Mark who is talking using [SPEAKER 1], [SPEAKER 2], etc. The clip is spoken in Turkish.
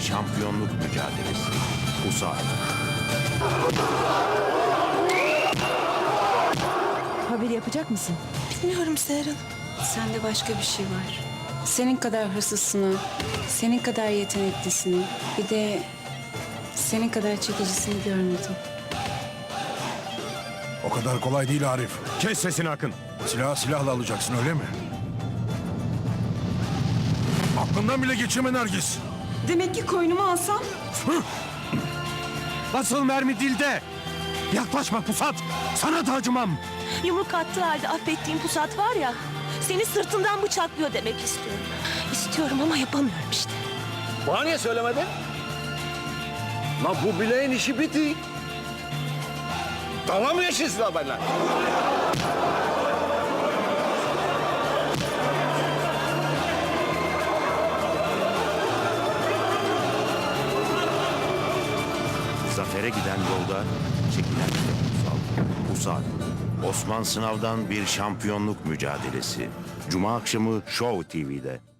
[SPEAKER 1] şampiyonluk mücadelesi. Pusat.
[SPEAKER 2] Haber yapacak mısın?
[SPEAKER 3] Bilmiyorum Seher Hanım.
[SPEAKER 4] Sende başka bir şey var. Senin kadar hırsızsını, senin kadar yeteneklisini, bir de senin kadar çekicisini görmedim.
[SPEAKER 5] O kadar kolay değil Arif.
[SPEAKER 1] Kes sesini Akın.
[SPEAKER 5] Silahla alacaksın öyle mi? Aklından bile geçirme Nergis.
[SPEAKER 4] Demek ki koynumu alsam?
[SPEAKER 1] Asıl mermi dilde. Yaklaşma Pusat. Sana da acımam.
[SPEAKER 3] Yumruk attığı halde affettiğim Pusat var ya... ...seni sırtından bıçaklıyor demek istiyorum. İstiyorum ama yapamıyorum işte.
[SPEAKER 6] Bana niye söylemedin? Lan bu bileğin işi bitti. Dalga mı geçiyorsun benimle?
[SPEAKER 1] Zafere giden yolda çekilen Pusat. Osman Sınav'dan bir şampiyonluk mücadelesi. Cuma akşamı Show TV'de.